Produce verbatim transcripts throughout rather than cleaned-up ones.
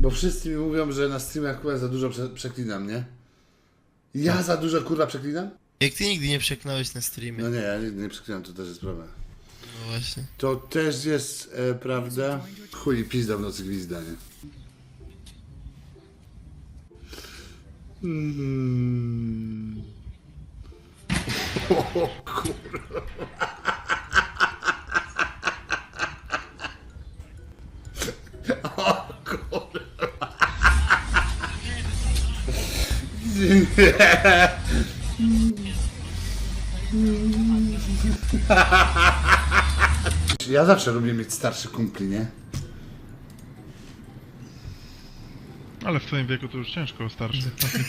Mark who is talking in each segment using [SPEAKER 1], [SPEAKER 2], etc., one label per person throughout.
[SPEAKER 1] Bo wszyscy mi mówią, że na streamach kurwa za dużo prze przeklinam, nie? Ja za dużo kurwa przeklinam?
[SPEAKER 2] Jak ty nigdy nie przeklnąłeś na streamie.
[SPEAKER 1] No nie, ja nigdy nie przeklinam, to też jest prawda.
[SPEAKER 2] No właśnie.
[SPEAKER 1] To też jest e, prawda. Chuj, pizda w nocy gwizda, nie? Mm. O kurwa. O kurwa. Ja zawsze lubię mieć starszy kumpli, nie?
[SPEAKER 3] Ale w twoim wieku to już ciężko, starszy.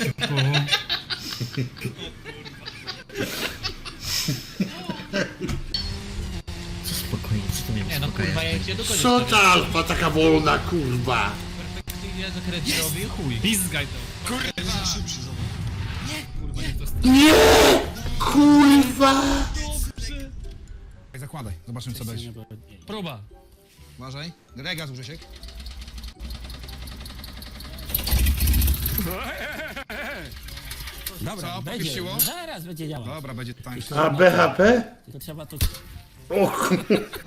[SPEAKER 4] Co spokojnie, co to miałem
[SPEAKER 5] Nie no kurwa, ja cię do końca.
[SPEAKER 1] Co ta alfa taka wolna, kurwa?
[SPEAKER 5] Ja za kredyt robię, chuj.
[SPEAKER 6] Pizgaj to. Kurwa!
[SPEAKER 5] Kurwa, nie to
[SPEAKER 1] Nie! Kurwa!
[SPEAKER 6] Zakładaj, zobaczymy co będzie.
[SPEAKER 5] próba.
[SPEAKER 6] Uważaj. Rega z Grzesiek. Dobra,
[SPEAKER 4] Będzie,
[SPEAKER 6] popieściło?
[SPEAKER 4] zaraz będzie działać.
[SPEAKER 6] Dobra, będzie tańsze.
[SPEAKER 1] A B H P?
[SPEAKER 4] Tylko trzeba to...
[SPEAKER 1] O kurwa.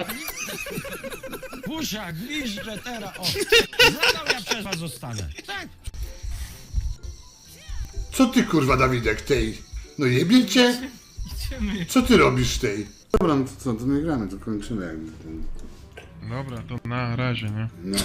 [SPEAKER 4] Pusia, gwizdże teraz, o! Zadał, ja przez was zostanę. Tak!
[SPEAKER 1] Co ty kurwa, Dawidek, tej? No jebie cię? Co ty robisz tej? Dobra, no to co, to nie gramy, to kończymy jakby ten...
[SPEAKER 3] Dobra, to na razie, nie?
[SPEAKER 1] No.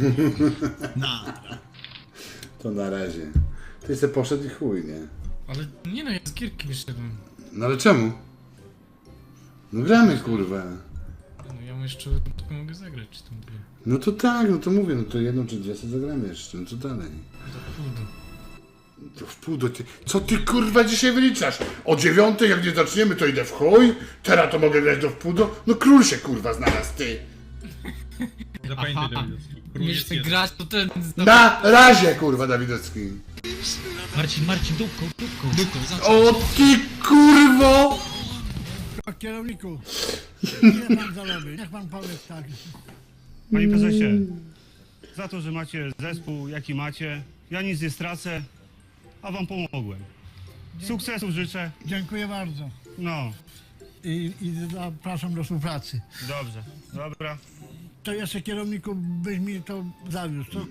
[SPEAKER 1] To na razie. Ty se poszedł i chuj, nie?
[SPEAKER 5] Ale nie no, ja z gierki wyszedłem.
[SPEAKER 1] No ale czemu? No gramy kurwa.
[SPEAKER 5] No ja jeszcze tylko mogę zagrać, czy tam dwie.
[SPEAKER 1] No to tak, no to mówię, no to jedną czy dwie sobie zagramy jeszcze, no co dalej?
[SPEAKER 5] To chudo.
[SPEAKER 1] To w pół do ty... Co ty kurwa dzisiaj wyliczasz? O dziewiątej jak nie zaczniemy to idę w chuj, teraz to mogę grać do w pół do... No król się kurwa znalazł, ty!
[SPEAKER 5] Aha, umiesz ty grać, to ten...
[SPEAKER 1] Na razie kurwa Dawidowski.
[SPEAKER 5] Marcin, Marcin, dupką, dupką. Dupką,
[SPEAKER 1] O ty kurwo!
[SPEAKER 7] Kierowniku, ile pan zarobi? Niech pan powie tak.
[SPEAKER 8] Panie prezesie, za to, że macie zespół, jaki macie, ja nic nie stracę, a wam pomogłem. Sukcesów życzę.
[SPEAKER 7] Dziękuję bardzo.
[SPEAKER 8] No,
[SPEAKER 7] I, i zapraszam do współpracy.
[SPEAKER 8] dobrze, dobra.
[SPEAKER 7] To jeszcze kierowniku byś mi to zawiózł, co?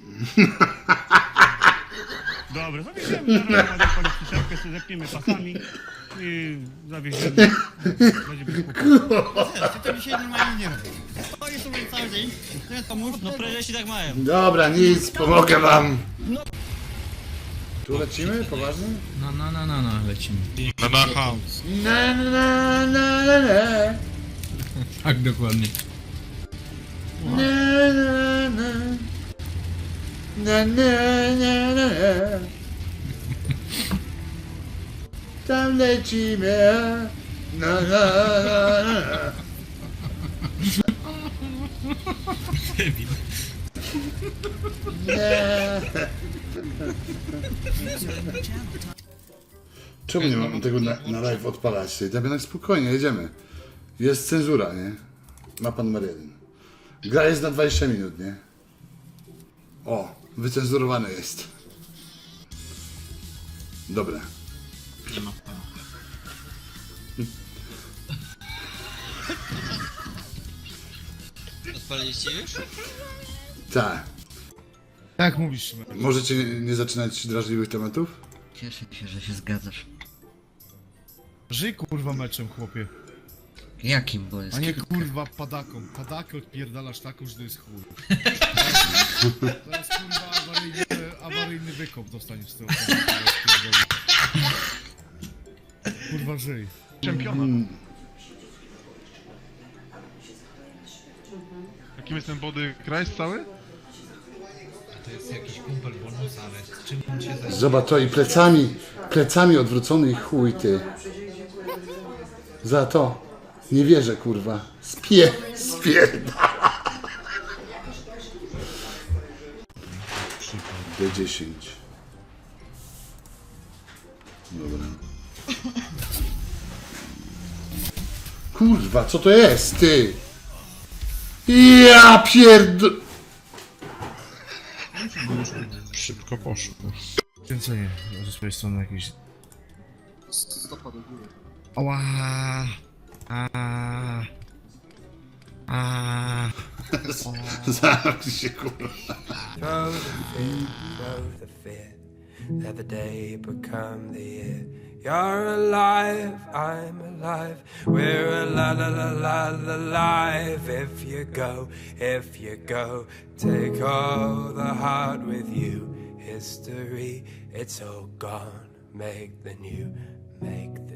[SPEAKER 8] Dobra, zawieziemy, zaraz ładnie pani przyczepkę, sobie zepniemy pasami i zawieziemy. Będzie bez kłopotu.
[SPEAKER 6] Ty to dzisiaj normalnie nie robisz. Stoisz sobie cały dzień. To mów, no prezesi tak mają.
[SPEAKER 1] Dobra, nic, pomogę wam. Tu lecimy? Poważnie?
[SPEAKER 5] No, no, no, no, no, lecimy.
[SPEAKER 3] Na na house.
[SPEAKER 1] Na na na na na na.
[SPEAKER 5] Tak, dokładnie.
[SPEAKER 1] Na na na. Na na na na. Tam lecimy. Na na na na. Nie. Czemu nie mam tego na, na live odpalać? Damianek, spokojnie, jedziemy. Jest cenzura, nie? Mapa numer jeden. Gra jest na dwadzieścia minut, nie? O, wycenzurowane jest. Dobra.
[SPEAKER 6] Nie ma. Odpaliliście już?
[SPEAKER 1] Tak.
[SPEAKER 6] Tak mówisz.
[SPEAKER 1] Możecie nie, nie zaczynać drażliwych tematów?
[SPEAKER 4] Cieszę się, że się zgadzasz.
[SPEAKER 9] Żyj kurwa meczem, chłopie.
[SPEAKER 4] Jakim, bo jest
[SPEAKER 9] A nie
[SPEAKER 4] kilka.
[SPEAKER 9] kurwa padaką. Padakę odpierdalasz taką, że to jest chuj. To jest kurwa awaryjny, awaryjny wykop dostaniesz z tego. Kurwa żyj.
[SPEAKER 3] Czempiona. Jakim jest ten body Christ cały?
[SPEAKER 5] To jest jakiś kumpel bonus, ale z czym on się zajmuje?
[SPEAKER 1] Zobacz to i plecami, plecami odwrócony i chuj ty. Za to. Nie wierzę kurwa. Spie, spierdala. D dziesięć. Dobra. Kurwa, co to jest, ty? Ja pierd...
[SPEAKER 3] Szybko poszło.
[SPEAKER 9] Kręcenie ze swojej strony jakieś... Ała! A. A.
[SPEAKER 1] Zamknij się, kurwa.
[SPEAKER 10] Throw the fit, throw the fit. Let the day become the year. You're alive, I'm alive. We're a la la la la la alive. If you go, if you go, take all the heart with you. History, it's all gone. Make the new, make the